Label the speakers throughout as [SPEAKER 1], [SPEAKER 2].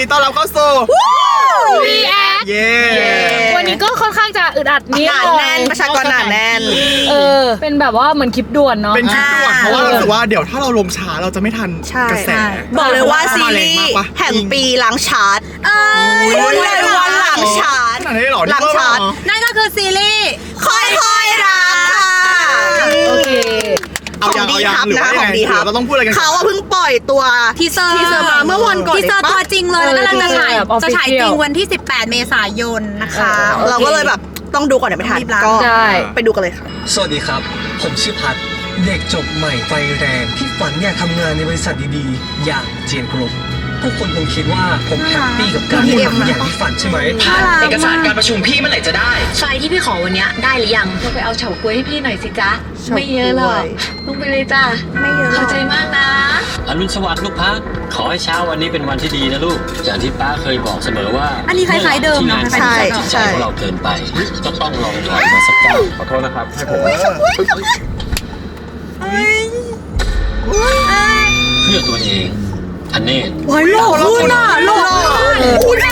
[SPEAKER 1] ต้อนรับเข้าสู่
[SPEAKER 2] React
[SPEAKER 1] เย้
[SPEAKER 2] วันนี้ก็ค่อนข้างจะอึดอัดนิด
[SPEAKER 3] หนา
[SPEAKER 2] หน่อย
[SPEAKER 3] แน่นประชากรหนาแน่น
[SPEAKER 2] เป็นแบบว่าเหมือนคลิปด่วนเนาะ
[SPEAKER 1] เป็นคลิปด่วนเพราะว่าเรารู้สึกว่าเดี๋ยวถ้าเราลงช้าเราจะไม่ทันกระแส
[SPEAKER 3] บอกเลยว่าซีรีส์แห่งปีหลังชาร์ตรุ่นเลยวันหลังชาร์ต
[SPEAKER 1] ขนาดนี้หรอ
[SPEAKER 3] หลังชาร์ต
[SPEAKER 4] นั่นก็คือซีรีส์
[SPEAKER 3] ค่อยๆรักค่ะ
[SPEAKER 2] โอเค
[SPEAKER 1] เอายังเอายังหรือว่ายังไงเราต้องพูดอะไรกัน
[SPEAKER 3] เขาเพิ่งปล่อยตัว
[SPEAKER 4] ทีเซอร์
[SPEAKER 3] มาเมื่อวันก่อน
[SPEAKER 4] ทีเซอร์ตัวจริงเลยแล้วกำลังจะฉาย
[SPEAKER 2] แบบ
[SPEAKER 4] จะฉาย
[SPEAKER 2] official
[SPEAKER 4] จริงวันที่ 18 เมษายนนะคะ
[SPEAKER 3] เราก็เลยแบบต้องดูก่อนเดี๋ยวไม่ทัน
[SPEAKER 4] รีบรัก
[SPEAKER 3] ก็
[SPEAKER 2] ใช่
[SPEAKER 3] ไปดูกันเลยค่ะ
[SPEAKER 5] สวัสดีครับ ผมชื่อพัดเด็กจบใหม่ไฟแรงที่ฝันอยากทำงานในบริษัทดีๆ อย่างเจียนกรุ๊ปทุกคนคงคิดว่าผมแฮปปี้กับการทำอย่างที่ฝันใช่ไหม
[SPEAKER 6] เอกสารการประชุมพี่เมื่อไหร่จะได้
[SPEAKER 7] ไฟล์ที่พี่ขอวันเนี้ยได้หรือยังเราไปเอาเฉาก๊วยให้พี่หน่อยสิจ๊ะ ไม่เยอะหรอกลงไปเลยจ้ะ
[SPEAKER 3] ไม่เยอะหร
[SPEAKER 7] เข้า
[SPEAKER 3] อก
[SPEAKER 7] ใจมากนะ
[SPEAKER 8] อรุณสวัสดิ์ลูกพักขอให้เช้าวันนี้เป็นวันที่ดีนะลูกอย่างที่ป้าเคยบอกเสมอว่า
[SPEAKER 4] อันนี้คล้ายๆเดิมเนอะ
[SPEAKER 8] ที่งานที่ใจของเราเกินไปก็ต้องลองถอยมาสักก้าวขอโทษนะครับให้ผมเพื่อตัวเองอันนี้
[SPEAKER 3] โอ้ยหล่อขึ้นอ่ะหล่ออุ้ย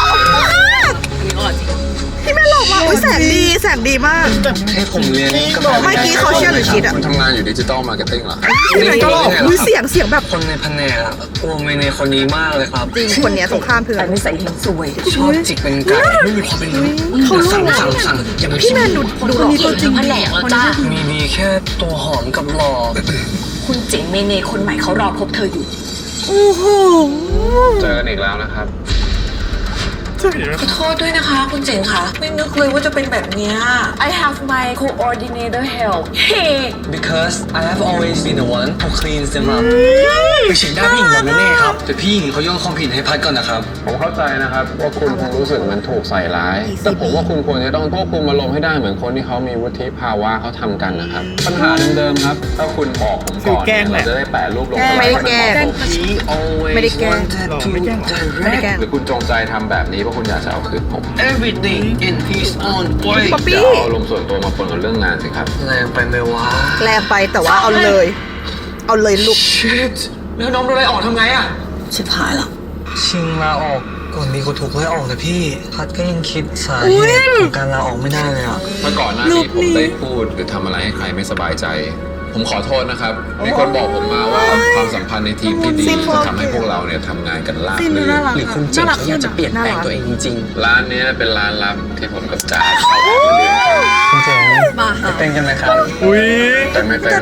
[SPEAKER 3] พี่แม่หล่อมากอุ้ยแสงดีมาก
[SPEAKER 5] ให้ผมเรียนก็
[SPEAKER 3] เมื่อกี้เขาเชื่อหรือคิดอ่ะ
[SPEAKER 9] คุณทำงานอยู่ดิจิตอลมาร์เก็ตติ้งเหรอ
[SPEAKER 3] พี่แม่ก็หล่ออุ้ยเสียงแบบ
[SPEAKER 5] คนในแผนกอะกลัวเมเนคนนี้มากเลยครับ
[SPEAKER 3] จริงคนเนี้ยตรงข้ามเพื่อน
[SPEAKER 5] ชอบจิกเป็นไก่ไม่มีความเป็นมนุษย์สั่งอย่าไป
[SPEAKER 3] พี่แม่ดูหล่อ
[SPEAKER 7] ตัวจริงแผนกแล้วจ้ะ
[SPEAKER 5] มีดีแค่ตัวหอมกับหล่อ
[SPEAKER 7] คุณเจ๋งเมเนคนใหม่เขารอพบเธออยู่
[SPEAKER 3] โอ้โห
[SPEAKER 9] เจอกันอีกแล้วนะครับ
[SPEAKER 7] ขอโทษด้วยนะคะ คุณเจ๋งค่ะ ไม่นึกเลยว่าจะเป็นแบบเนี้ย I have my coordinator help hey
[SPEAKER 5] because I have always been the one who cleans them up ไปเช็คได้พี่หญิงแบบแน่ครับแต่พี่หญิงเขาโยนความผิดให้พัดก่อนนะครับ
[SPEAKER 9] ผมเข้าใจนะครับว่าคุณคงรู้สึกเหมือนถูกใส่ร้าย แต่ผมว่าคุณควรจะต้องควบคุมอารมณ์ให้ได้เหมือนคนที่เขามีวุฒิภาวะเขาทำกันนะครับ ปัญหาเดิมๆครับ ถ้าคุณบอกผมก่อนเนี่ยเราจะได้แปะรูปลง
[SPEAKER 3] ไม่ได้แกล้ง
[SPEAKER 5] He always
[SPEAKER 3] ไม่ได้แกล้ง
[SPEAKER 5] wanted to
[SPEAKER 3] ไม่ได้
[SPEAKER 5] direct
[SPEAKER 3] แกล้ง
[SPEAKER 9] หรือคุณจงใจทำแบบนี้เพราะคุณอยากจะเอาคืนผม
[SPEAKER 5] everything in his own way
[SPEAKER 3] ป๊อปปี้
[SPEAKER 9] อย่าเอาอารมณ์ส่วนตัวมาปนกับเรื่องงานสิครับ
[SPEAKER 5] แรงไปไหมวะ
[SPEAKER 3] แรงไปแต่ว่าเอาเลยลูก
[SPEAKER 5] shit แล้วน้องโดนไล่ออกทำไงอะ
[SPEAKER 7] ชิบหายแล้ว
[SPEAKER 5] ชิงลาออกก่อนดีกว่าถูกไล่ออกนะพี่ พัดก็ยังคิดสาเหตุของการลาออกไม่ได้เลยอะ
[SPEAKER 9] เมื่อก่อนหน้านี้ผมได้พูดหรือทำอะไรให้ใครไม่สบายใจ ผมขอโทษนะครับ มีคนบอกผมมาว่าความสัมพันธ์ในทีมที่ดีจะทำให้พวกเราเนี่ยทำงานกันราบรื่น
[SPEAKER 5] หรือคุณเจ๋งเขาอยากจะเปลี่ยนแปลงตัวเองจริง
[SPEAKER 9] ร้านเนี้ยเป็นร้านลับที่ผมกับจ๋าเข้าออกมาเดือนกัน
[SPEAKER 5] ๆคุณเจ๋งไปเต้นกันไหมครับ
[SPEAKER 1] อุ้ย
[SPEAKER 9] แต่ไม่เป็น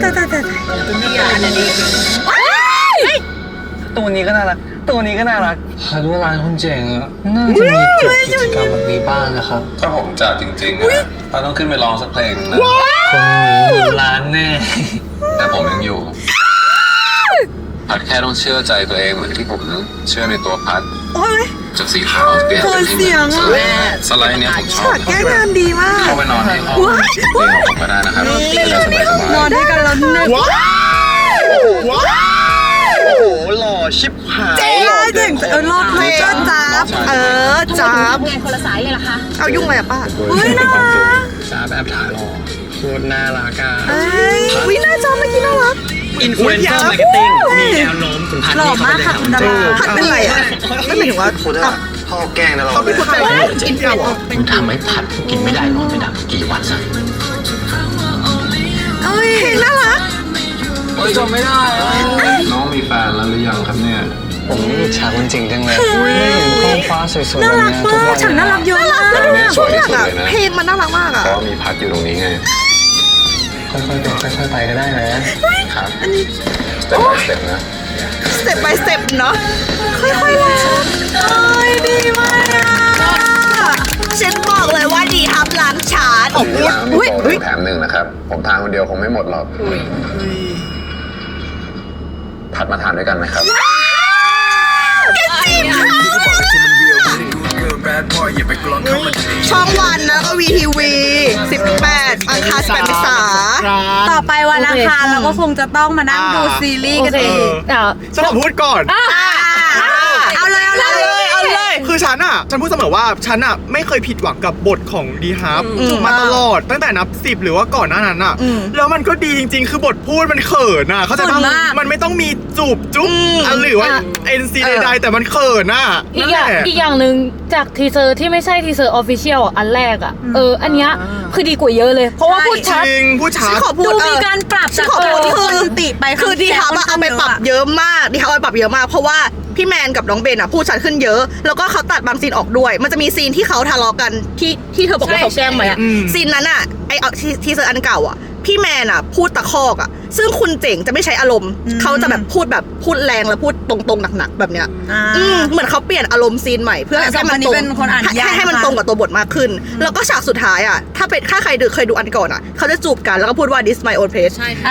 [SPEAKER 5] ตัวนี้ก็น่ารัก ตัวนี้ก็น่ารักพัดว่าร้านคุณเจ๋งอะน่าจะมีจุดกิจกรรมแบบนี้บ้างนะครับ
[SPEAKER 9] ถ้าผมจัดจริงๆอะเราต้องขึ้นไปร้องสักเพลงนะ
[SPEAKER 5] คนนี้อยู่ร้านแน่
[SPEAKER 9] แต่ผมยังอยู่ พัดแค่ต้องเชื่อใจตัวเองเหมือนที่ผมเชื่อในตัวพัด
[SPEAKER 3] โอ้ย
[SPEAKER 9] จากสีขาวเปลี่ยนเป็นสีเหลืองสไลด์เนี่ยผมชอบ
[SPEAKER 3] ฉากแก้งานดีมาก
[SPEAKER 9] เข้าไปนอนในห้องเพลงของผมก็ได้นะครับจะได้สบาย
[SPEAKER 3] นอนด้วยกันแล้วนึก
[SPEAKER 1] ว้าวว้าวโอ้โหหล่อชิบหาย
[SPEAKER 3] เจ๋งรอดเลยจับจับ
[SPEAKER 7] งานคนละสายเลยเหรอคะ
[SPEAKER 3] เอายุ่งอะไรอะป้า
[SPEAKER 9] ๆเฮ้ยน่ารัก
[SPEAKER 5] จ้าแบบถ่ายหล่อโคตรน่ารักอ่ะ
[SPEAKER 3] วิน่าจอเมื่อกี้น่ารัก
[SPEAKER 5] อินฟลูเอนเซอร์มาร์เก็ตติ้งมีแนวโน้มถึงพัด
[SPEAKER 4] หล่อ
[SPEAKER 5] ที่เขา
[SPEAKER 4] มาก
[SPEAKER 5] ไป
[SPEAKER 4] ค่ะคุณดารา
[SPEAKER 3] พัดเป็นไรอะไม่หมายถึงว่า
[SPEAKER 5] โคตรพ่อแกล้งนะเรา
[SPEAKER 1] เขาเป็นคนใจจริงๆเหรอ
[SPEAKER 8] ผมทำให้ผัดกินไม่ได้นอนไม่หลับกี่วันซะ
[SPEAKER 3] เพลงน่ารัก
[SPEAKER 5] เฮ้ยจำไม่ได้
[SPEAKER 9] น้องมีแฟนแล้วหรือยังครับเนี่ย
[SPEAKER 5] ผมอิจฉาคนจริงจังเลยไม่เห็นท้องฟ้าสวยๆแบบนี้ทุกวัน
[SPEAKER 4] ฉันน่ารักเยอะมาก
[SPEAKER 9] ตอนนี้สวยที่สุด
[SPEAKER 3] อะ
[SPEAKER 9] เลยนะ
[SPEAKER 3] เพลงมันน่ารักมากอะ
[SPEAKER 9] เพราะมีพัดอยู่ตรงนี้ไง
[SPEAKER 5] ค่อยๆเป็นค่อยๆไปก็ได้นะครับ
[SPEAKER 9] สเต็ป by สเต็ปนะ
[SPEAKER 3] สเต็ป by สเต็ปเนาะค่อยๆรักดีมากอะฉันบอกเลยว่าดีครับล้างชาร์จ
[SPEAKER 9] มีร้านมีโปรแถมหนึ่งนะครับ ผมทานคนเดียวคงไม่หมดหรอกพัดมาทานด้วยกันไหมครับ
[SPEAKER 3] ช่องวันนะก็วีทีวี18 อังคาร8 เมษา
[SPEAKER 4] ต่อไปวันอังคารเราก็คงจะต้องมานั่งดูซีรีส์กันเอง
[SPEAKER 2] เดี๋ยว
[SPEAKER 1] ฉันขอพูดก่อน
[SPEAKER 4] เอาเลย
[SPEAKER 3] เอาเลย
[SPEAKER 1] คือฉันพูดเสมอว่าฉันไม่เคยผิดหวังกับบทของดีฮับมาตลอดตั้งแต่นับ10หรือว่าก่อนหน้านั้นแล้วมันก็ดีจริงๆคือบทพูดมันเขินเขาใจป่ะมันไม่ต้องมีจูบจุ๊บหรือว่าNC ใดๆแต่มันเขิน
[SPEAKER 2] อีกอย่างหนึ่งจากทีเซอร์ที่ไม่ใช่ทีเซอร์ออฟฟิเชียลอันแรกอันเนี้ยคือดีกว่าเยอะเลยเพราะว่าพูดชัด
[SPEAKER 3] ดู
[SPEAKER 4] มีการปรับจากที่คนติไป
[SPEAKER 3] คือดีฮับเอาไปปรับเยอะมากดีฮับเอาไปปรับเยอะมากเพราะว่าพี่แมนกับน้องเบนพูดชัดขึ้นเยอะแล้วก็เขาตัดบางซีนออกด้วยมันจะมีซีนที่เขาทะเลาะกันที่เธอบอกว่าเขาแกล้งไหมซีนนั้นไอทีเซอร์อันเก่าพี่แมนพูดตะคอกซึ่งคุณเจ๋งจะไม่ใช้อารมณ์เขาจะแบบพูดแรงแล้วพูดตรงๆหนักๆแบบเนี้ยเหมือนเขาเปลี่ยนอารมณ์ซีนใหม่เพื่อให้มันตรงให้มันตรงกับตัวบทมากขึ้นแล้วก็ฉากสุดท้ายถ้าใครเคยดูอันก่อนเขาจะจูบกันแล้วก็พูดว่า this my own place
[SPEAKER 4] ใช่ค่ะ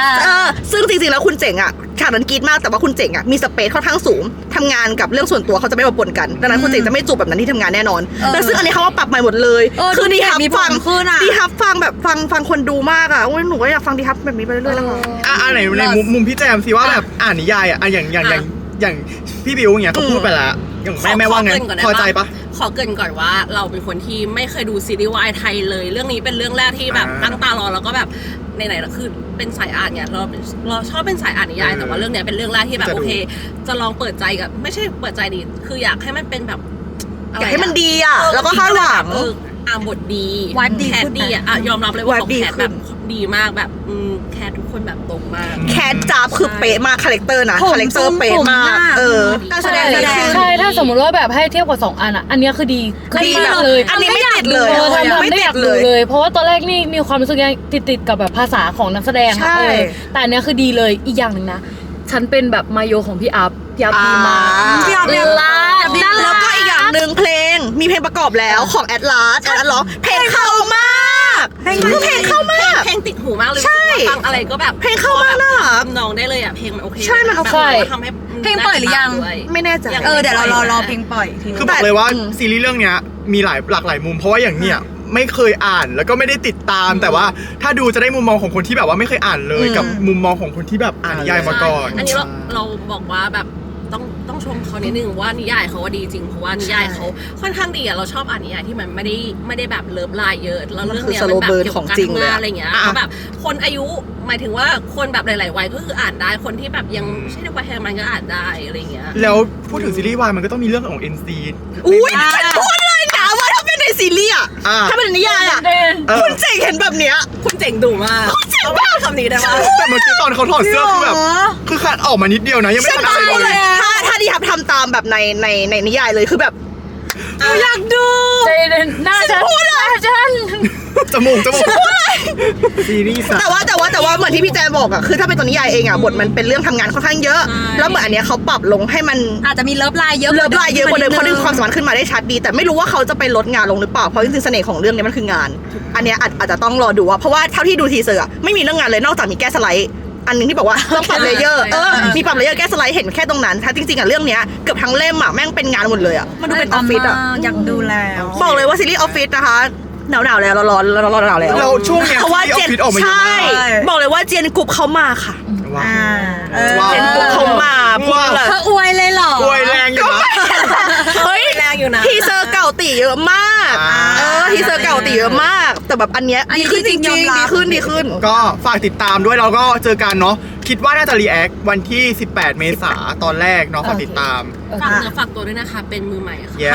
[SPEAKER 3] ซึ่งจริงๆแล้วคุณเจ๋งฉากนั้นกรี๊ดมากแต่ว่าคุณเจ๋งมีสเปซค่อนข้างสูงทำงานกับเรื่องส่วนตัวเขาจะไม่มาปนกันดังนั้นคุณเจ๋งจะไม่จูบแบบนั้นที่ทำงานแน่นอนแล้วซึ่งอันนี้เขาว่าปรับใหม่หมดเลยคือดีฮับฟังแบบฟังคนดูมากหนูก็อยากฟังดีฮับแบบนี้ไปเรื่อยๆแล้ว
[SPEAKER 1] ไหนในมุมพี่แจมสิว่าแบบอ่านนิยายอย่างพี่บิวอย่างเงี้ยเขาพูดไปแล้วอย่างแม่ว่าไงพอใจปะ
[SPEAKER 7] ขอเกริ่นก่อนว่าเราเป็นคนที่ไม่เคยดูซีรีส์วายไทยเลยเรื่องนี้เป็นเรื่องแรกที่แบบตั้งตารอแล้วก็แบบไหนๆคือเป็นสายอ่านเนี่ยเราชอบเป็นสายอ่านนิยายแต่ว่าเรื่องเนี้ยเป็นเรื่องแรกที่แบบโอเคจะลองเปิดใจกับไม่ใช่เปิดใจดิคืออยากให้มันเป็นแบบ
[SPEAKER 3] อยากให้มันดีแล้วก็คาดหวัง
[SPEAKER 7] บทดีแคทดียอมรับเลยว่าเขาแคทแบบดีมากแบบแคททุกคนแบบตรงมาก
[SPEAKER 3] แคทจับคือเป๊ะมากคาแรคเตอร์นะคาแรคเตอร์เป๊ะมาก
[SPEAKER 2] การแสดงใช่ถ้าสมมติว่าแบบให้เทียบกับ2อันอันนี้คือดี
[SPEAKER 3] แบบเลยอันนี้ไม่ติดเลย
[SPEAKER 2] ไม่ติดเลยเพราะว่าตอนแรกนี่มีความรู้สึกยังติดกับแบบภาษาของนักแสดงแต่อันนี้คือดีเลยอีกอย่างหนึ่งนะฉันเป็นแบบมาโยของพี่อัพยับดีมาก
[SPEAKER 3] แล้วก็อีกอย่างหนึ่งเพลงมีเพลงประกอบแล้วของแอดลาสร้องเพลงเข้ามากเพลงเข้ามาก
[SPEAKER 7] เพลงติดหูมากเลยฟังอะไรก็แบบ
[SPEAKER 3] เพลงเข้ามากนะ
[SPEAKER 7] น้องได้เลยเพลงมันโอเค
[SPEAKER 3] ใช่มันโอเค
[SPEAKER 7] ทำให้
[SPEAKER 4] เพลงปล่อยหรือยัง
[SPEAKER 3] ไม่แน่ใจ
[SPEAKER 4] เดี๋ยวเรารอเพลงปล่อย
[SPEAKER 1] คือบอกเลยว่าซีรีส์เรื่องนี้มีหลากหลายมุมเพราะว่าอย่างเนี้ยไม่เคยอ่านแล้วก็ไม่ได้ติดตามแต่ว่าถ้าดูจะได้มุมมองของคนที่แบบว่าไม่เคยอ่านเลยกับมุมมองของคนที่แบบอ่านนิยายมาก่อน
[SPEAKER 7] อันนี้เราบอกว่าแบบต้องชมเขานิดนึงว่านิยายเขาว่าดีจริงเพราะว่านิยายเขาค่อนข้างดีเราชอบอ่านนิยายที่มันไม่ได้แบบเลิฟไลน์เยอะแล้วเรื่องเนี้ยมันแบบเกี่ยวกับการทำงานอะไรเงี้ยแบบคนอายุหมายถึงว่าคนแบบหลายๆวัยก็คืออ่านได้คนที่แบบยังไม่ใช่ในวัยทำงานก็อ่านได้อะไรเงี้ย
[SPEAKER 1] แล้วพูดถึงซีรีส์วายมันก็ต้องมีเรื่องของ NC
[SPEAKER 3] อุ้ยฉันพูดเลยนะว่าถ้าเป็นในซีรีส์ถ้าเป็นนิยายคุณเจ๋งเห็นแบบเนี้ย
[SPEAKER 7] คุณเจ๋งดุมาก
[SPEAKER 3] คุณเจ๋งมาก
[SPEAKER 7] คำนี้ได้ไหม
[SPEAKER 1] แต่เมื่อกี้ตอนเขาถอดเสื้อคือแบบคือขาดออกมานิดเดียวนะยังไม่ทันอะไรเลย
[SPEAKER 3] ถ้าดีครับทำตามแบบในนิยายเลยคือแบบอยากดู
[SPEAKER 2] หน้าฉัน
[SPEAKER 1] จมูกซีรีส์
[SPEAKER 3] แต่ว่าเหมือนที่พี่แจบอกคือถ้าเป็นตัวนิยายเองบทมันเป็นเรื่องทำงานค่อนข้างเยอะแล้วเหมือนอันเนี้ยเขาปรับลงให้มัน
[SPEAKER 4] อาจจะมีเลิฟไลน์เยอะ
[SPEAKER 3] กว่าเดิมเขาดึงความสามารถขึ้นมาได้ชัดดีแต่ไม่รู้ว่าเขาจะไปลดงานลงหรือเปล่าเพราะจริงๆเสน่ห์ของเรื่องนี้มันคืองานอันเนี้ยอาจจะต้องรอดูเพราะว่าเท่าที่ดูทีเซอร์ไม่มีเรื่องงานเลยนอกจากมีแก้สไลด์อันนึงที่บอกว่าต้องปรับเลเยอร์มีปรับเลเยอร์แก้สไลด์เห็นแค่ตรงนั้นถ้าจริงๆเรื่องเนี้ยเกือบทั้งเล่มแม่งเป็นงานหมดเลยมันดูเป็นออฟฟิศ
[SPEAKER 4] อยากดูแล้ว
[SPEAKER 3] บอกเลยว่าซีรีส์ออฟฟิศนะคะหนาวแล้วร้อนแล้ว
[SPEAKER 1] เราช่วงเนี้ย
[SPEAKER 3] เพราะว่าเจนใช่บอกเลยว่าเจนกรุ๊ปเขามาค่ะเจนกรุ๊ปเขามา
[SPEAKER 4] พูดเลยเธออวยเลยเหรอ
[SPEAKER 1] อวยแรงอยู่นะ
[SPEAKER 3] เฮ้ย
[SPEAKER 7] แรงอยู่นะ
[SPEAKER 3] ทีเซอร์เก่าตีเยอะมากทีเซอร์เก่าตีเยอะมากแต่แบบอันเนี้ยดีขึ้นจริงๆดีขึ้น
[SPEAKER 1] ก็ฝากติดตามด้วยเราก็เจอกันเนาะคิดว่าน่าจะรีแอควันที่18 เมษายนตอนแรกเนาะฝากติดตาม
[SPEAKER 7] ฝากเนื้อฝากตัวด้วยนะคะเป็นมือใหม่ค่ะ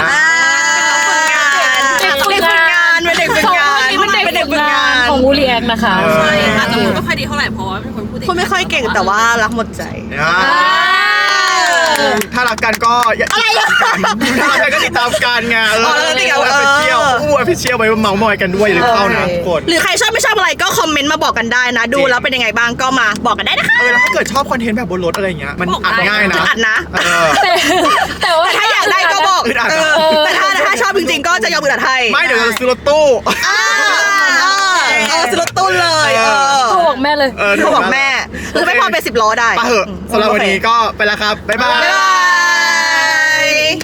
[SPEAKER 3] เป็นเด็กฝึกงานเป็นเด็กฝึกงาน
[SPEAKER 2] ของวูรีแอคนะคะ
[SPEAKER 7] ใช่ค่ะแต่ไม่ค่อยดีเท่าไหร่เพราะว่าเป็นคนพูด
[SPEAKER 3] คนไม่ค่อยเก่งแต่ว่ารักหมดใจ
[SPEAKER 1] ถ้ารักกันก็อะไรถ้ารักกันก็ติดตามกันไง
[SPEAKER 3] ติดตาม
[SPEAKER 1] ไปเที่ยวไปเที่ยวไปเมาส์มอยกันด้วยหรือเข้านะทุกคน
[SPEAKER 3] หรือใครชอบไม่ชอบอะไรก็คอมเมนต์มาบอกกันได้นะดูแล้วเป็นยังไงบ้างก็มาบอกกันได้นะคะ
[SPEAKER 1] แล้วถ้าเกิดชอบคอนเทนต์แบบบนรถอะไรเงี้ยมันอัดง่ายนะ
[SPEAKER 3] อัดนะแต่ถ้าอยากได้ก็บอกแต่ถ้าชอบจริงๆก็จะยอมอึดอัดให้
[SPEAKER 1] ไม่เดี๋ยวจะซื้อรถตู้
[SPEAKER 3] ซื้อรถตู้เลย
[SPEAKER 2] โทรบอกแม่เลย
[SPEAKER 3] โทรบอกแม่หรือไม่พอเป็น10 ล้อได้
[SPEAKER 1] ไปเถอะสำหรับวันนี้ก็ไปแล้วครับบ๊ายบาย